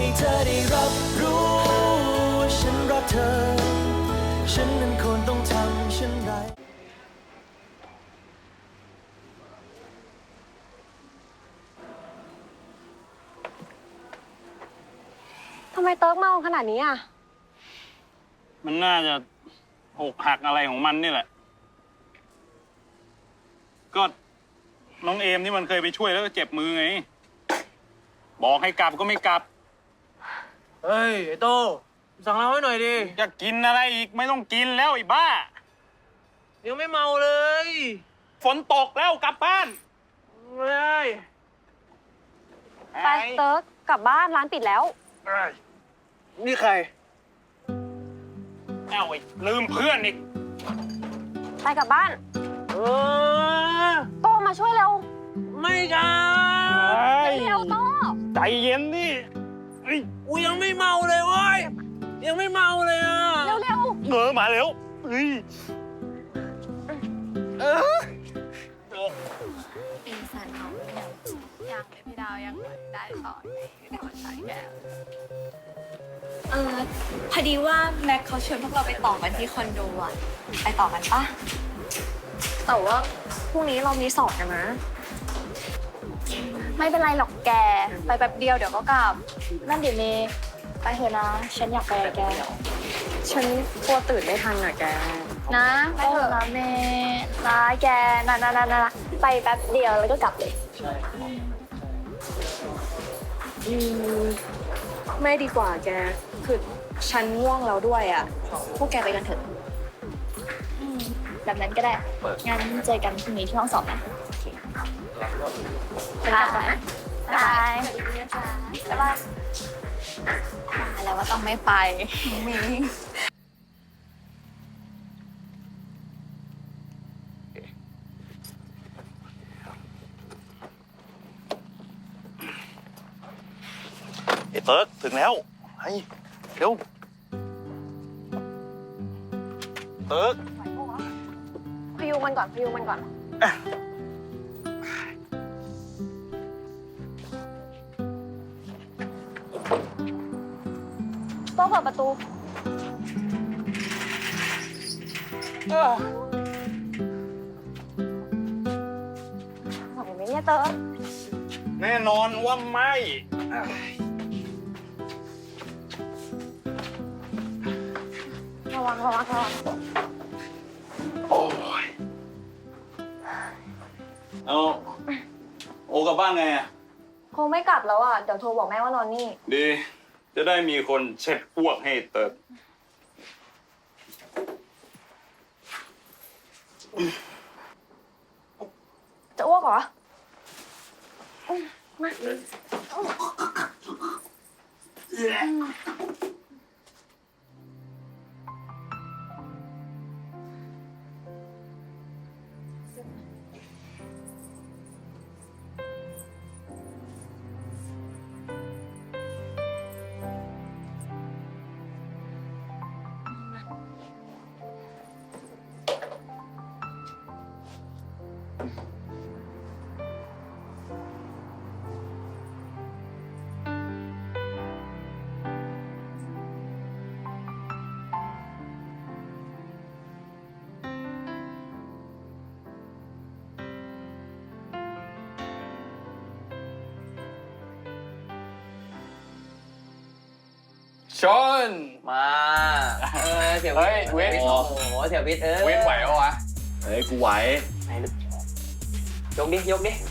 ให้เธอได้รับรู้ว่าฉันรักเธอฉันนั้นควรต้องทำเช่นไรทำไมเติร์กเมาขนาดนี้อ่ะมันน่าจะอกหักอะไรของมันนี่แหละ ก็น้องเอมนี่มันเคยไปช่วยแล้วก็เจ็บมือไง บอกให้กลับก็ไม่กลับเฮ้ยไอ้โตสั่งเราให้หน่อยดิจะกินอะไรอีกไม่ต้องกินแล้วไอ้บ้ายังไม่เมาเลยฝนตกแล้วกลับบ้านเฮ้ยไปเติร์กกลับบ้านร้านปิดแล้วนี่ใครเอ้าไอ้ลืมเพื่อนอีกไปกลับบ้านเออโตมาช่วยเร็วไม่กันเร็วโตใจเย็นดิเฮ้ยกูยังไม่เมาเลยเว้ยยังไม่เมาเลยอ่ะเร็วเร็วมาเร็วเฮ้ยปีศาจน้องยังเลยพี่ดาวยังได้ต่อพี่ดาวใช้แก้วพอดีว่าแม็กเขาชวนพวกเราไปต่อกันที่คอนโดอ่ะไปต่อกันปะแต่ว่าพรุ่งนี้เรามีสอบกันนะไม่เป็นไรหรอกแกไปแป๊บเดียวเดี๋ยวก็กลับนั่นเดี๋ยวเมย์ไปเถอะนะ ฉันอยากไปกับแก ฉันกลัวตื่นไม่ทันอ่ะแกนะไปเถอะนะเมย์นะแกนะไปแป๊บเดียวแล้วก็กลับเลยไม่ดีกว่าแก คือฉันง่วงแล้วด้วยอ่ะ พวกแกไปกันเถอะแบบนั้นก็ได้งั้นเจอกันพรุ่งนี้ที่ห้องสอบนะไปกลับก่อนนะบายบ๊ายบายแล้วว่าต้องไม่ไปมีไอ้เติร์กถึงแล้วไอ้เร็วเติร์กพยุงมันก่อนพยุงมันก่อน โต๊ะเปิดประตูไหวไหมเนี่ยเติร์กแน่นอนว่าไม่ระวังโอ้ยเอาโอกลับบ้านไงอ่ะคงไม่กลับแล้วอ่ะ เดี๋ยวโทรบอกแม่ว่านอนนี่ดี จะได้มีคนเช็ดอ้วกให้เติร์กจะอ้วกเหรอ มาชนมาเสียวิทย์เฮ้ยเว้นโอ้โหเสียวิทย์เว้นไหวปะวะเฮ้ยกูไหวยกดิยกดิ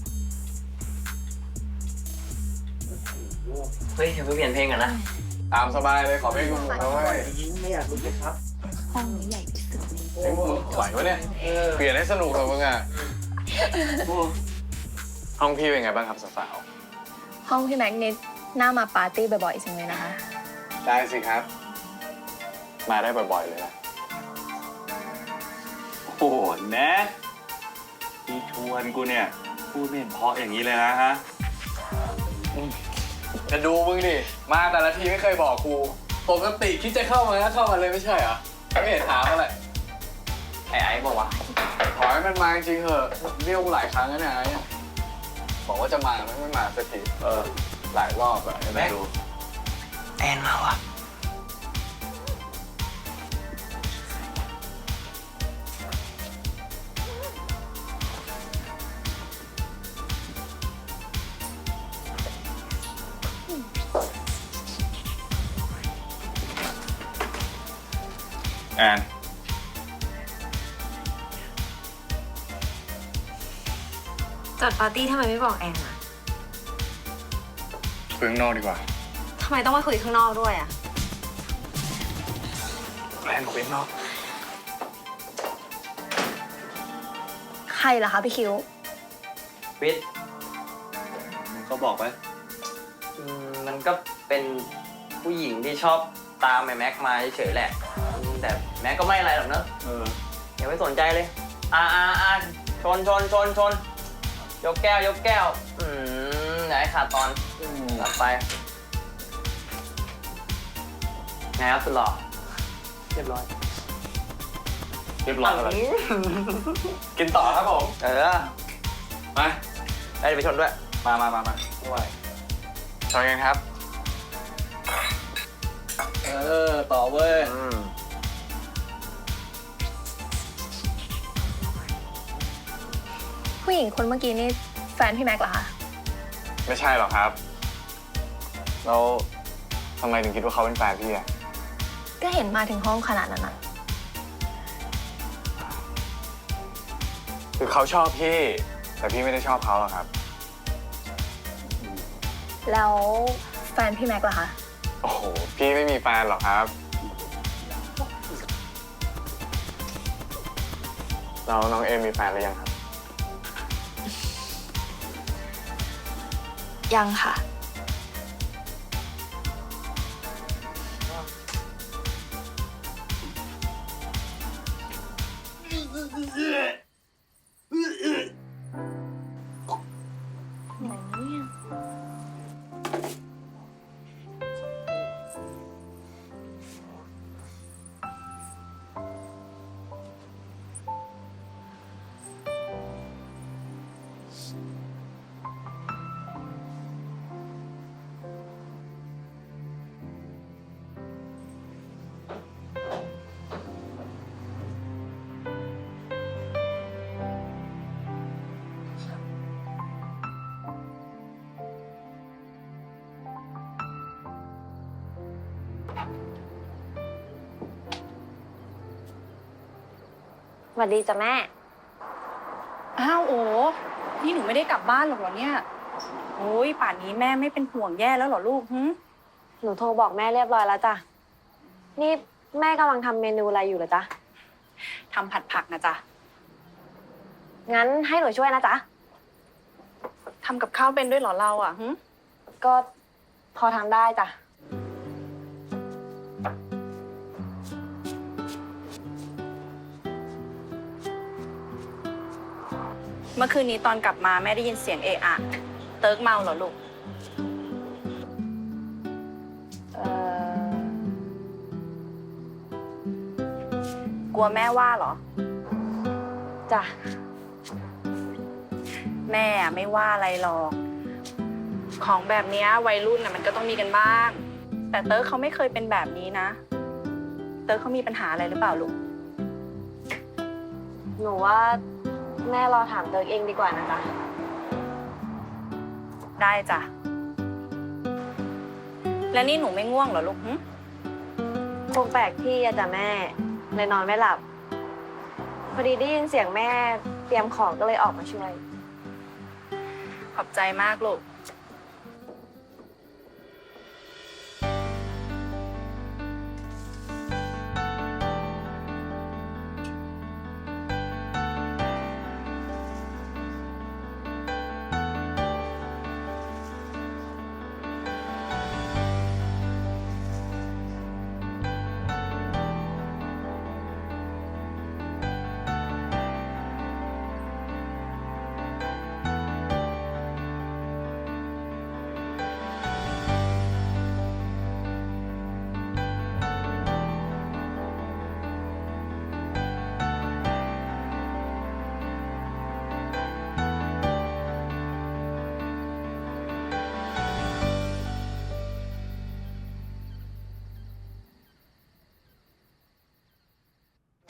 เฮ้ยอย่าเพิ่งเปลี่ยนเพลงกันนะตามสบายเลยขอเพลงคุณเอาไว้ไม่อยากรู้เลยครับห้องนี้ใหญ่ที่สุดไหวปะเนี่ย เปลี่ยนให้สนุกเถอะมึงอ่ะ ห้องพี่เป็นไงบ้างครับสาวห้องพี่แม็กนิดน่ามาปาร์ตี้บ่อยๆจังเลยนะคะๆได้สิครับ มาได้บ่อยๆเลยนะ โอ้โหแนะพี่ชวนกูเนี่ย พูดไม่เห็นเพราะอย่างนี้เลยนะฮะจะดูมึงดิมาแต่ละทีไม่เคยบอกกูปกติคิดจะเข้ามาก็เข้ามาเลยไม่ใช่เหรอไม่เห็นถามอะไรไอ้บอกว่าขอให้มันมาจริงๆเถอะเรียกกูหลายครั้งแล้วเนี่ยไอ้บอกว่าจะมาไม่มาสักทีหลายรอบแบบไม่ดูแอนมาวะแอนจัดปาร์ตี้ทำไมไม่บอกแอนอะคุยข้างนอกดีกว่าทำไมต้องมาคุยข้างนอกด้วยอะแอนคุยข้างนอกใครล่ะคะพี่คิววิทย์ก็บอกไปมันก็เป็นผู้หญิงที่ชอบตามไอ้แม็กมาเฉยๆแหละแต่แม็กก็ไม่อะไรหรอกเนอะอย่าไปสนใจเลยชนยกแก้วอย่าให้ขาดตอนตัดไปไงครับสุดหล่อเรียบร้อยเรียบร้อยแล้วกินต่อครับผมมาได้ไปชนด้วยมาด้วยชอยกันครับ ต่อเว้ยผู้หญิงคนเมื่อกี้นี่แฟนพี่แม็กเหรอคะไม่ใช่หรอกครับ แล้วทำไมถึงคิดว่าเขาเป็นแฟนพี่อะก็เห็นมาถึงห้องขนาดนั้นอะคือเขาชอบพี่ แต่พี่ไม่ได้ชอบเขาหรอกครับแล้วแฟนพี่แม็กล่ะคะโอ้โห พี่ไม่มีแฟนหรอกครับ แล้วน้องเอมมีแฟนหรือยังครับยังค่ะ สวัสดีจ้ะแม่อ้าวโอ้นี่หนูไม่ได้กลับบ้านหรอกเหรอเนี่ยโอ้ยป่านนี้แม่ไม่เป็นห่วงแย่แล้วเหรอลูกหึหนูโทรบอกแม่เรียบร้อยแล้วจ้ะ นี่แม่กำลังทำเมนูอะไรอยู่เหรอจ๊ะทำผัดผักนะจ๊ะงั้นให้หนูช่วยนะจ๊ะทำกับข้าวเป็นด้วยเหรอเราอ่ะหึก็พอทำได้จ้ะเมื่อคืนนี้ตอนกลับมาแม่ได้ยินเสียงเอะอะเติร์กเมาเหรอลูก กลัวแม่ว่าเหรอจ้ะแม่ไม่ว่าอะไรหรอก ของแบบเนี้ยวัยรุ่นน่ะมันก็ต้องมีกันบ้าง แต่เติร์กเขาไม่เคยเป็นแบบนี้นะ เติร์กเขามีปัญหาอะไรหรือเปล่าลูกหนูว่าแม่รอถามเติร์กเองดีกว่านะจ๊ะได้จ้ะ แล้วนี่หนูไม่ง่วงเหรอลูกหึคงแปลกที่อะจ้ะแม่เลยนอนไม่หลับ พอดีได้ยินเสียงแม่เตรียมของก็เลยออกมาช่วยขอบใจมากลูก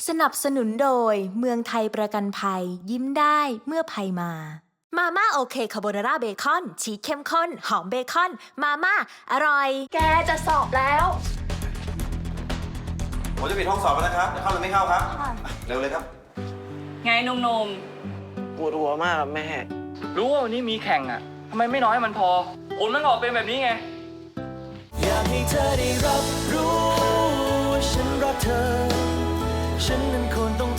สนับสนุนโดยเมืองไทยประกันภัยยิ้มได้เมื่อภัยมามาม่าโอเคคาโบนาร่าเบคอนชีสเข้มข้นหอมเบคอนมาม่าอร่อยแกจะสอบแล้วผมจะปิดห้องสอบแล้วนะครับจะเข้าหรือไม่เข้าครับ เร็วเลยครับไงนมปวดหัวมากครับแม่รู้ว่าวันนี้มีแข่งอ่ะทำไมไม่น้อยมันพอผลมันออกเป็นแบบนี้ไงอยากให้เธอได้รับรู้ว่าฉันรักเธอ ฉันนั้นควรต้อง